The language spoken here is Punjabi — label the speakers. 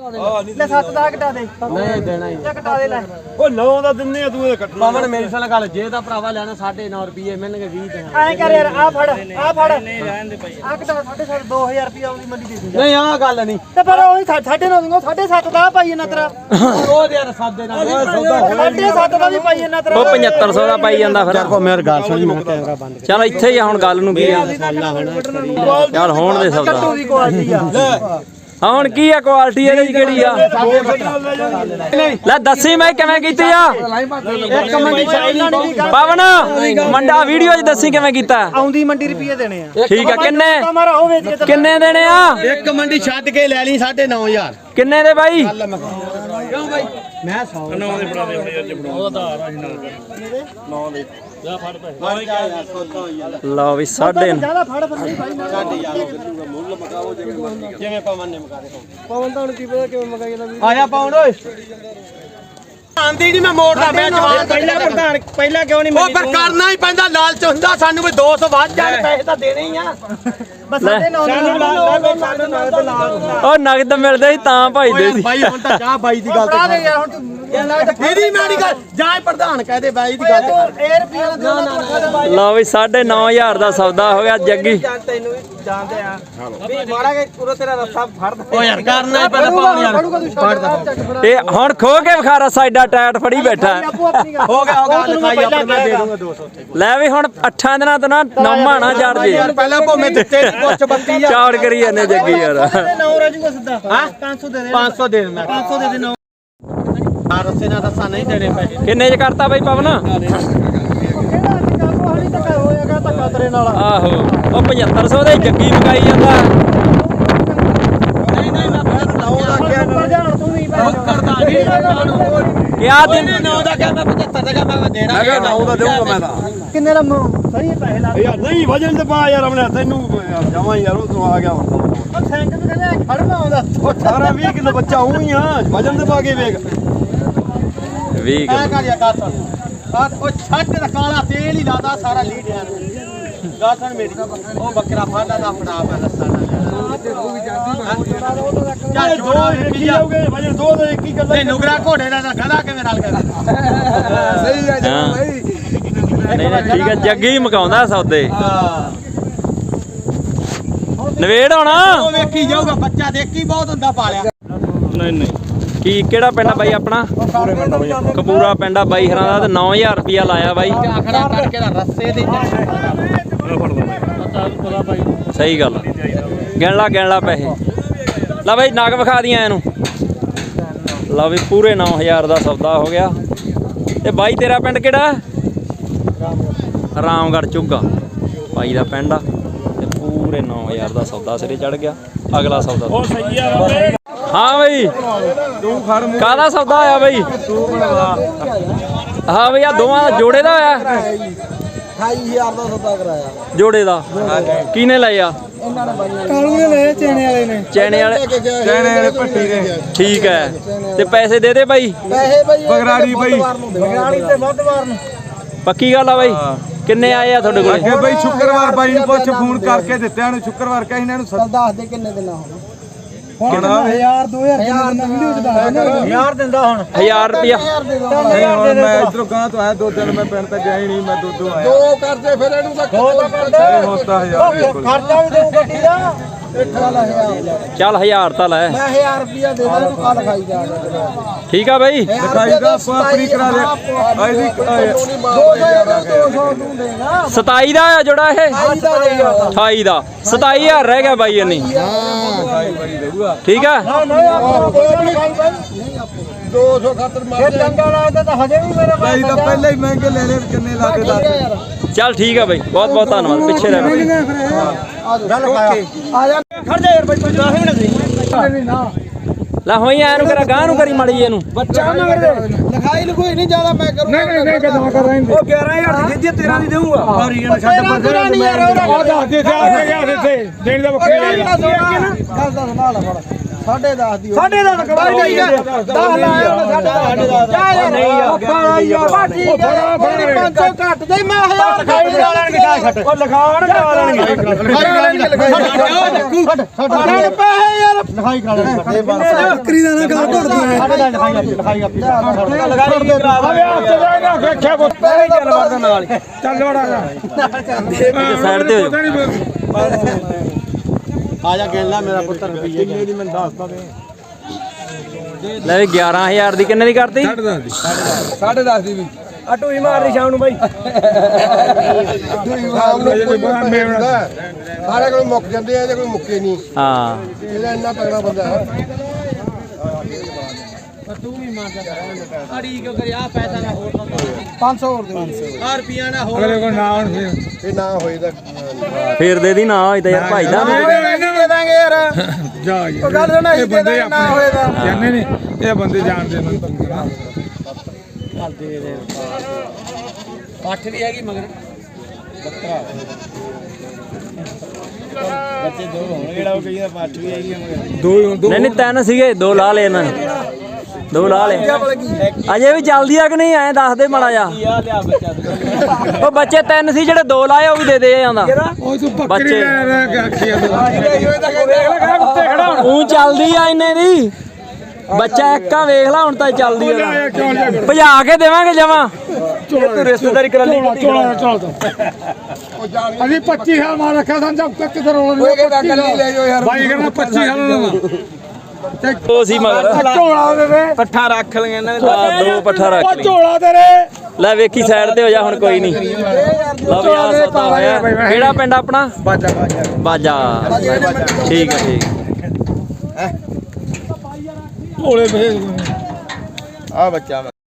Speaker 1: ਲੈ 7 ਦਾ ਘਟਾ ਦੇ
Speaker 2: ਨਹੀਂ ਦੇਣਾ ਹੀ
Speaker 1: ਘਟਾ ਦੇ ਲੈ
Speaker 3: ਉਹ 9 ਦਾ ਦਿੰਨੇ ਆ ਤੂੰ ਇਹ ਕੱਟਣਾ
Speaker 2: ਪਵਨ ਮੇਰੀ ਸਾਲ ਗੱਲ ਜੇ ਤਾਂ ਭਰਾਵਾ ਲੈਣਾ 9.5 ਰੁਪਏ ਮਿਲਣਗੇ 20 ਦੇਣਾ
Speaker 1: ਐਂ ਕਰ ਯਾਰ ਆ ਫੜ ਨਹੀਂ ਰਹਿਣ ਦੇ ਭਾਈ ਆ ਘਟਾ 7.5 2000 ਰੁਪਏ ਆਉਂਦੀ ਮੰਡੀ ਦੇ ਦੇ
Speaker 2: ਨਹੀਂ ਆਹ ਗੱਲ ਨਹੀਂ
Speaker 1: ਤੇ ਪਰ ਉਹ 9.5 ਦੂੰਗਾ 7.5 ਦਾ ਪਾਈ ਇਹਨਾਂ ਤੇਰਾ
Speaker 2: ਉਹ ਦੇ ਯਾਰ ਸਾਦੇ ਨਾਲ
Speaker 1: 7.5 ਦਾ ਵੀ ਪਾਈ ਇਹਨਾਂ ਤੇਰਾ
Speaker 4: ਉਹ 7500 ਦਾ ਪਾਈ ਜਾਂਦਾ ਫਿਰ
Speaker 2: ਕੋ ਮੇਰੀ ਗੱਲ ਸੁਣੀ ਮੈਂ ਕੈਮਰਾ ਬੰਦ
Speaker 4: ਚਲ ਇੱਥੇ ਹੀ ਆ ਹੁਣ ਗੱਲ ਨੂੰ ਕੀ ਆ ਯਾਰ ਹੋਣ ਦੇ ਸੌਦਾ
Speaker 1: ਕੱਟੂ ਦੀ ਕੁਆਲਿਟੀ ਆ
Speaker 4: ਹਾਂ ਹੁਣ ਕੀ ਆ ਕੁਆਲਿਟੀ ਇਹਦੀ ਕਿਹੜੀ ਆ ਲੈ ਦੱਸੀ ਮੈਂ ਕਿਵੇਂ ਕੀਤੀ ਆ
Speaker 1: ਇੱਕ ਮੰਡੀ ਇਹਨਾਂ ਨੇ ਵੀ
Speaker 4: ਪਵਨ ਮੰਡਾ ਵੀਡੀਓ 'ਚ ਦੱਸੀ ਕਿਵੇਂ ਕੀਤਾ
Speaker 1: ਆਉਂਦੀ ਮੰਡੀ ਰੁਪਏ ਦੇਣੇ ਆ
Speaker 4: ਠੀਕ ਆ ਕਿੰਨੇ
Speaker 1: ਮਾਰਾ ਉਹ ਵੇਚ ਕੇ
Speaker 4: ਕਿੰਨੇ ਦੇਣੇ ਆ
Speaker 2: ਇੱਕ ਮੰਡੀ ਛੱਡ ਕੇ ਲੈ ਲਈ 9.5
Speaker 4: ਕਿੰਨੇ ਦੇ ਬਾਈ
Speaker 2: ਕਿਉਂ ਬਾਈ ਮੈਂ 100
Speaker 3: 9 ਦੇ ਫੜਾ ਦੇ ਅੱਜ ਫੜਾ ਉਹਦਾ ਆਧਾਰ ਆ ਜੀ 9 ਦੇ ਜਾ ਫੜ ਪੈਸੇ
Speaker 4: ਲਓ ਵੀ 9.5
Speaker 1: ਜਿਆਦਾ ਫੜ ਬੰਦੇ ਭਾਈ
Speaker 2: ਮੁੱਲ ਮਕਾਓ ਜਿਵੇਂ ਪਵਨ ਨੇ ਮਕਾ ਦੇ
Speaker 1: ਪਵਨ ਤਾਂ ਹੁਣ ਕੀ ਪਤਾ ਕਿਵੇਂ ਮਗਾਈ ਦਾ
Speaker 2: ਆਇਆ ਪਾਉਣ ਓਏ ਆਂਦੀ ਨਹੀਂ ਮੈਂ ਮੋੜਦਾ ਮੈਂ ਜਵਾਨ
Speaker 1: ਪਹਿਲਾਂ ਪ੍ਰਧਾਨ ਪਹਿਲਾਂ ਕਿਉਂ ਨਹੀਂ
Speaker 2: ਉਹ ਫਿਰ ਕਰਨਾ ਹੀ ਪੈਂਦਾ ਲਾਲਚ ਹੁੰਦਾ ਸਾਨੂੰ ਵੀ 200 ਵੱਧ ਜਾਣ ਪੈਸੇ ਤਾਂ ਦੇਣੇ ਹੀ ਆ
Speaker 1: ਬਸ ਸਾਡੇ ਨਾਲ
Speaker 4: ਉਹ ਨਗਦ ਮਿਲਦੇ ਸੀ ਤਾਂ ਭਾਈਦੇ ਸੀ
Speaker 2: ਬਾਈ ਹੁਣ ਤਾਂ ਚਾਹ ਬਾਈ ਦੀ ਗੱਲ
Speaker 1: ਫੜਾ ਦੇ ਯਾਰ ਹੁਣ ਤੂੰ
Speaker 2: ਇਹਦੀ ਮਾੜੀ ਗੱਲ ਜਾਂ ਪ੍ਰਧਾਨ ਕਹਦੇ ਬਾਈ ਦੀ ਗੱਲ
Speaker 1: ਇਹ ਰੁਪਏ ਦਾ
Speaker 4: ਲਓ ਵੀ 9.5 ਦਾ ਸੌਦਾ ਹੋ ਗਿਆ ਜੱਗੀ
Speaker 2: ਤੈਨੂੰ ਵੀ ਜਾਣਦੇ ਆ ਵੀ ਮਾੜਾ ਕੇ ਪੂਰਾ ਤੇਰਾ ਰੱਸਾ ਫੜਦਾ ਓ ਯਾਰ ਕਰਨਾ ਹੀ ਪੈਂਦਾ ਪਾਉਣ ਯਾਰ
Speaker 4: ਇਹ ਹੁਣ ਖੋ ਕੇ ਵਿਖਾ ਰਸਾ ਐਡਾ ਟਾਇਟ ਫੜੀ ਬੈਠਾ ਹੈ।
Speaker 2: ਹੋ ਗਿਆ ਲਿਖਾਈ ਆਪਣੀ ਮੈਂ ਦੇ ਦੂੰਗਾ 200
Speaker 4: ਲੈ ਵੀ ਹੁਣ 8 ਦਿਨਾਂ ਤੋਂ ਨਾ ਨੌਮਾ ਨਾ ਚੜ ਜੇ
Speaker 2: ਯਾਰ ਪਹਿਲਾਂ ਭੋਵੇਂ ਦਿੱਤੇ ਕੁਛ 32
Speaker 4: ਚੌੜ ਕਰੀ ਜਾਂਦੇ ਜੱਗੀ ਯਾਰ
Speaker 1: 9 ਰਾਜੂਗਾ ਸਿੱਧਾ ਹਾਂ 500 ਦੇ ਦੇ
Speaker 2: 500 ਦੇ ਮੈਂ
Speaker 1: 500 ਦੇ ਦੇ 9
Speaker 2: ਆ ਰਸੇ ਨਾਲ ਰੱਸਾ ਨਹੀਂ ਦੇਣੇ ਪੈਸੇ
Speaker 4: ਕਿੰਨੇ ਚ ਕਰਤਾ ਬਾਈ ਪਵਨ
Speaker 1: ਕਿਹੜਾ ਅੱਜ ਕਾਕੋ ਹਾਲੀ ਤੱਕ ਹੋਇਆਗਾ ਧੱਕਾ ਤੇਰੇ ਨਾਲ
Speaker 4: ਆਹੋ ਉਹ 7500 ਦੇ ਜੱਗੀ ਮਕਾਈ ਜਾਂਦਾ
Speaker 2: ਨਹੀਂ ਨਹੀਂ ਮੈਂ ਫਿਰ ਲਾਉਂਦਾ
Speaker 1: ਉੱਪਰ ਜਾਣ ਤੂੰ ਵੀ
Speaker 2: ਕਰਦਾ ਨਹੀਂ
Speaker 4: ਕਿਆ ਦਿਨ
Speaker 2: 9 ਦਾ ਕਿਹਾ ਮੈਂ 75 ਦਾ ਕਿਹਾ ਮੈਂ ਦੇਣਾ
Speaker 3: ਮੈਂ ਕਿਹਾ 9 ਦਾ ਦੇਊਂਗਾ ਮੈਂ ਤਾਂ
Speaker 1: ਕਿੰਨੇ ਦਾ ਸਹੀ ਪੈਸੇ ਲਾ
Speaker 3: ਯਾਰ ਨਹੀਂ ਵਜਨ ਤੇ ਪਾ ਯਾਰ ਆਪਣੇ ਤੈਨੂੰ ਜਾਵਾਂ ਯਾਰ ਉਹ ਤੂੰ ਆ ਗਿਆ ਹੁਣ
Speaker 1: ਉਹ ਸਾਈਕਲ ਤੇ ਕਹਿੰਦੇ ਖੜਨਾ ਆਉਂਦਾ
Speaker 3: 18 20 ਕਿਲੋ ਬੱਚਾ ਹੂੰ ਹੀ ਆ ਵਜਨ ਤੇ ਪਾ ਕੇ ਵੇਖ
Speaker 4: 20
Speaker 2: ਐ ਕਰ ਯਾ ਕਾਸਨ ਆ ਉਹ ਛੱਡ ਦਾ ਕਾਲਾ ਤੇਲ ਹੀ ਲਾਦਾ ਸਾਰਾ ਲੀਡਿਆਂ ਨੂੰ ਗਾਸਨ ਮੇਰੀ ਉਹ ਬੱਕਰਾ ਫਾਦਾ ਦਾ ਫੜਾ ਪਾ ਲੱਸਾ ਨਾਲ ਚੱਲ
Speaker 3: ਦੋ ਕੀ ਜਾਓਗੇ ਵਜਨ ਦੋ ਦੇ ਇੱਕ ਹੀ ਗੱਲ
Speaker 2: ਨਹੀਂ ਨੁਗਰਾ ਘੋੜੇ ਦਾ ਤਾਂ ਗਧਾ ਕਿਵੇਂ ਰਲ ਗਿਆ
Speaker 3: ਸਹੀ ਆ
Speaker 4: ਹਾਂ। ਨਹੀਂ ਨਹੀਂ ਠੀਕ ਹੈ ਜੱਗੀ ਮਕਾਉਂਦਾ ਸੌਦੇ ਨਵੇੜ ਹੋਣਾ
Speaker 2: ਉਹ ਵੇਖੀ ਜਾਊਗਾ ਬੱਚਾ ਦੇਖੀ ਬਹੁਤ ਹੁੰਦਾ ਪਾਲਿਆ
Speaker 3: ਨਹੀਂ ਨਹੀਂ
Speaker 4: ਕੀ ਕਿਹੜਾ ਪਿੰਡ ਆ ਬਾਈ ਆਪਣਾ ਕਪੂਰਾ ਪਿੰਡ ਆ ਬਾਈ ਹਰਾਂ ਦਾ ਤੇ 9000 ਰੁਪਿਆ ਲਾਇਆ ਬਾਈ
Speaker 2: ਆਖੜਾ ਕਰਕੇ ਦਾ ਰੱਸੇ ਦੇ
Speaker 4: ਸਹੀ ਗੱਲ ਗਿਣ ਲਾ ਪੈਸੇ ਲੈ ਬਾਈ ਨਗ ਵਿਖਾ ਦੀਆਂ ਇਹਨੂੰ ਲਓ ਵੀ ਪੂਰੇ 9000 ਦਾ ਸੌਦਾ ਹੋ ਗਿਆ ਤੇ ਬਾਈ ਤੇਰਾ ਪਿੰਡ ਕਿਹੜਾ ਰਾਮਗੜ੍ਹ ਚੁੱਗਾ ਬਾਈ ਦਾ ਪਿੰਡ ਆ ਤੇ ਪੂਰੇ 9000 ਦਾ ਸੌਦਾ ਸਿਰੇ ਚੜ ਗਿਆ ਅਗਲਾ ਸੌਦਾ
Speaker 3: ਉਹ ਸਹੀ ਆ ਬਾਬੇ
Speaker 4: ਹਾਂ ਬਾਈ ਕਾਹਦਾ ਸੌਦਾ ਹੋਇਆ ਬਾਈ ਹਾਂ ਬਈ ਆ ਦੋਵਾਂ ਦਾ ਜੋੜੇ ਦਾ ਹੋਇਆ
Speaker 2: 28000 ਦਾ ਸੌਦਾ ਕਰਾਇਆ
Speaker 4: ਜੋੜੇ ਦਾ ਕਿਹਨੇ ਲਿਆ
Speaker 1: ਕਾਲੂ ਨੇ ਲਏ ਚੇਣੇ ਵਾਲੇ ਨੇ
Speaker 4: ਚੈਣੇ ਵਾਲੇ
Speaker 3: ਭੱਟੀ ਦੇ
Speaker 4: ਠੀਕ ਹੈ ਤੇ ਪੈਸੇ ਦੇ ਦੇ ਬਾਈ
Speaker 2: ਪੈਸੇ ਬਈ
Speaker 3: ਬਗਰਾੜੀ ਬਈ
Speaker 1: ਬਗਰਾੜੀ ਤੇ ਵੱਧਵਾਰ ਨੂੰ
Speaker 4: ਪੱਕੀ ਗੱਲ ਆ ਬਾਈ ਕਿੰਨੇ ਆਏ ਆ ਤੁਹਾਡੇ ਕੋਲੇ
Speaker 3: ਅੱਗੇ ਬਈ ਸ਼ੁੱਕਰਵਾਰ ਬਾਈ ਨੂੰ ਪੁੱਛ ਫੋਨ ਕਰਕੇ ਦਿੱਤਿਆਂ ਨੂੰ ਸ਼ੁੱਕਰਵਾਰ ਕਹੀ ਇਹਨਾਂ ਨੂੰ
Speaker 2: ਦੱਸ ਦੇ ਕਿੰਨੇ ਦਿਨ ਹੋਣਾ
Speaker 1: ਹੁਣ 1000 2000 ਜਿੰਨਾ ਵੀਡੀਓ ਚ ਦੱਸ 1000 ਦਿੰਦਾ ਹੁਣ
Speaker 4: 1000 ਰੁਪਿਆ
Speaker 3: ਮੈਂ ਇਧਰੋਂ ਗਾਂ ਤੋਂ ਆਇਆ 2 ਦਿਨ ਮੈਂ ਪਿੰਡ ਤੇ ਗਿਆ ਹੀ ਨਹੀਂ ਮੈਂ ਦੋ ਆਇਆ
Speaker 2: ਦੋ ਕਰਦੇ ਫਿਰ ਇਹਨੂੰ ਤਾਂ
Speaker 3: ਹੋਤਾ 1000
Speaker 1: ਖਰਚਾ ਵੀ ਦੇਉ ਗੱਡੀ ਦਾ
Speaker 4: ਚੱਲ 1000 ਤਾਂ ਲੈ
Speaker 2: ਮੈਂ 1000 ਰੁਪਿਆ ਦੇ ਦਾਂ ਤੂੰ ਕੱਲ ਖਾਈ ਜਾ
Speaker 4: ਠੀਕ ਆ ਬਾਈ
Speaker 3: ਲਿਖਾਈ ਦਾ ਆਪਣੀ ਕਰਾ ਦੇ ਆਈਦੀ
Speaker 2: 200 ਤੂੰ ਦੇਗਾ
Speaker 4: 27 ਦਾ ਆ ਜੋੜਾ ਇਹ 28 ਦਾ 27000 ਰਹਿ ਗਿਆ ਬਾਈ ਇੰਨੀ ਠੀਕ ਆ
Speaker 2: 200 ਖਾਤਰ ਮਾਰ
Speaker 1: ਇਹ ਚੰਗਾ ਲੱਗਦਾ ਤਾਂ ਹਜੇ ਵੀ ਮੇਰੇ
Speaker 3: ਭਾਈ ਤਾਂ ਪਹਿਲਾਂ ਹੀ ਮਹਿੰਗੇ ਲੈ ਲੈ ਕਿੰਨੇ ਲਾ ਕੇ ਦੱਸ
Speaker 4: ਚੱਲ ਠੀਕ ਆ ਬਾਈ ਬਹੁਤ ਬਹੁਤ ਧੰਨਵਾਦ ਪਿੱਛੇ ਰਹਿ
Speaker 2: ਆ ਜਾ
Speaker 1: ਖੜ ਜਾ ਯਾਰ ਬਾਈ 10 ਮਿੰਟ ਨਾ
Speaker 4: ਲੈ ਹੋਈ ਐ ਨੂੰ ਕਰਾ ਗਾਂ ਨੂੰ ਕਰੀ ਮੜੀ ਇਹਨੂੰ
Speaker 2: ਬੱਚਾ ਨਾ ਕਰਦੇ ਲਿਖਾਈ ਲਿਖੋਈ ਨਹੀਂ ਜ਼ਿਆਦਾ ਮੈਂ ਕਰੂੰਗਾ
Speaker 1: ਨਹੀਂ ਕਦੋਂ ਕਰ ਰਹੇ
Speaker 3: ਉਹ 11000 ਦੀ ਜਿੱਦੀ 13 ਦੀ ਦੇਊਂਗਾ ਹਰੀ ਨਾ ਛੱਡ ਪਰ
Speaker 1: ਨਹੀਂ ਯਾਰ
Speaker 3: ਆ ਦੱਸ ਦੇ ਆ ਗਿਆ ਦਿੱਤੇ ਦੇਣ ਦਾ
Speaker 2: ਗੱਲ ਦਾ ਸੰਭਾਲ ਫੜ 10.5 ਦੀ
Speaker 1: ਸਾਢੇ ਦਾ ਕਮਾਈ ਨਹੀਂ ਹੈ 10 ਲਾਇਆ ਉਹਨੇ ਸਾਢੇ ਦਾ ਨਹੀਂ ਯਾਰ ਠੀਕ ਹੈ 500 ਘੱਟ ਦੇ ਮੈਂ 1000 ਖਾਈ ਲਾ ਲੈਣਗੇ ਜਾ ਛੱਡ ਉਹ ਲਿਖਾਣ ਕਰਾ ਲੈਣਗੇ ਛੱਡ ਪੈਸੇ ਯਾਰ ਲਿਖਾਈ ਕਰਾ ਲੈਣਗੇ ਬੱਕਰੀ ਦਾ ਨਾ ਗੱਲ ਘੁੱਟਦੀ ਹੈ ਲਿਖਾਈ ਆਪੀ ਲਗਾਈ ਕਰਾ ਦੇ ਵੇਖਿਆ ਕੋ ਪੈਸੇ ਚੱਲ ਵੜਦਾ ਨਾਲ ਚੱਲ ਵੜਾ
Speaker 4: ਸਾਈਡ ਤੇ ਹੋ ਜਾਓ
Speaker 2: ਆ ਜਾ ਗਿਣ ਲੈ ਮੇਰਾ ਪੁੱਤਰ ਰੁਪਈਏ ਕਿੰਨੇ ਦੀ ਮੈਨੂੰ ਦੱਸਦਾ ਤੇ
Speaker 4: ਲੈ ਵੀ 11000 ਦੀ ਕਿੰਨੇ ਦੀ ਕਰਤੀ
Speaker 1: 10.5 ਦੀ ਵੀ ਆ ਟੂਈ ਮਾਰਦੀ ਸ਼ਾਮ ਨੂੰ ਬਾਈ
Speaker 2: ਸਾਰੇ ਕੋਲ ਮੁੱਕ ਜਾਂਦੇ ਆ ਜੇ ਕੋਈ ਮੁੱਕੇ ਨਹੀਂ
Speaker 4: ਹਾਂ
Speaker 2: ਇਹਦਾ ਇੰਨਾ ਤਗੜਾ ਬੰਦਾ ਹੈ
Speaker 1: ਅੜੀ ਕਿਉਂ ਕਰੀ ਆ ਪੈਸਾ ਨਾ ਹੋਰ 500 ਹੋਰ ਦੇ 500 ਰੁਪਿਆ ਨਾ ਹੋਰ
Speaker 2: ਇਹ ਨਾ ਹੋਏ ਤਾਂ
Speaker 4: ਫੇਰ ਦੇ ਦੀ ਨਾ ਹੋਈ ਤਾਂ ਯਾਰ ਭਾਈ ਦਾ
Speaker 1: ਦੇ ਦਾਂਗੇ ਯਾਰ ਉਹ ਗੱਲ ਸੁਣਾ ਇਹ ਬੰਦੇ ਨਾ ਹੋਏ ਤਾਂ
Speaker 5: ਜਾਣੇ ਨੇ ਇਹ ਬੰਦੇ ਜਾਣਦੇ ਨੇ
Speaker 1: ਪੱਠ ਵੀ ਹੈਗੀ ਮਗਰ ਬੱਚੇ ਦੋ ਹੋਣਗੇ ਜਿਹੜਾ ਉਹ ਕਹੀਦਾ ਪੱਠ ਵੀ ਹੈਗੀ ਮਗਰ
Speaker 4: ਨਹੀਂ ਨਹੀਂ ਤਿੰਨ ਸੀਗੇ ਦੋ ਲਾ ਲਏ ਇਹਨਾਂ ਨੇ ਦੋ ਲਾ ਲਏ ਅਜੇ ਵੀ ਚੱਲਦੀ ਆ ਕਿ ਨਹੀਂ ਐਂ ਦੱਸ ਦੇ ਮਾੜਾ ਜਾ ਉਹ ਬੱਚੇ ਤਿੰਨ ਸੀ ਜਿਹੜੇ ਦੋ ਲਾਏ ਉਹ ਵੀ ਦੇ ਦੇ ਜਾਂਦਾ
Speaker 5: ਉਹ ਤੂੰ ਬੱਕਰੀ
Speaker 4: ਬੱਚੇ।
Speaker 5: ਲੈ ਕੇ ਆਖੀਆ
Speaker 4: ਉਹ ਚੱਲਦੀ ਆ ਇੰਨੇ ਦੀ ਬੱਚਾ ਇੱਕਾ ਵੇਖ ਲਾ ਹੁਣ ਤਾਂ ਚੱਲਦੀ ਆ ਭਜਾ ਕੇ ਦੇਵਾਂਗੇ ਜਮਾ
Speaker 5: ਤੂੰ
Speaker 1: ਰਿਸ਼ਤੇਦਾਰੀ ਕਰ ਲਈ
Speaker 5: ਚੋਲਾ ਚੱਲ ਅਸੀਂ 25 ਸਾਲ ਮਾਰ ਰੱਖਿਆ ਸਾਂ ਜਦ ਤੱਕ ਕਿਧਰ ਰੋਲ ਨਹੀਂ ਲੈ ਜਾਓ ਯਾਰ ਬਾਈ ਕਹਿੰਦਾ 25 ਸਾਲ ਦਾ
Speaker 4: ਉਹ ਸੀ ਮਗਰ
Speaker 5: ਝੋਲਾ ਦੇ ਦੇ
Speaker 1: ਪੱਠਾ ਰੱਖ ਲਈਆਂ ਇਹਨਾਂ ਨੇ
Speaker 4: ਆ ਦੋ ਪੱਠਾ ਰੱਖ
Speaker 5: ਉਹ
Speaker 4: ਲਈ
Speaker 5: ਝੋਲਾ ਤੇਰੇ
Speaker 4: ਲੈ ਵੇਖੀ ਸਾਈਡ ਤੇ ਹੋ ਜਾ ਹੁਣ ਕੋਈ ਨਹੀਂ ਲਓ ਵੀ ਆ ਸੌਦਾ ਹੋਇਆ ਕਿਹੜਾ ਪਿੰਡ ਆਪਣਾ ਬਾਜਾ ਠੀਕ ਹੈ ਠੀਕ
Speaker 5: ਝੋਲੇ ਭੇਜ
Speaker 2: ਆ ਬੱਚਾ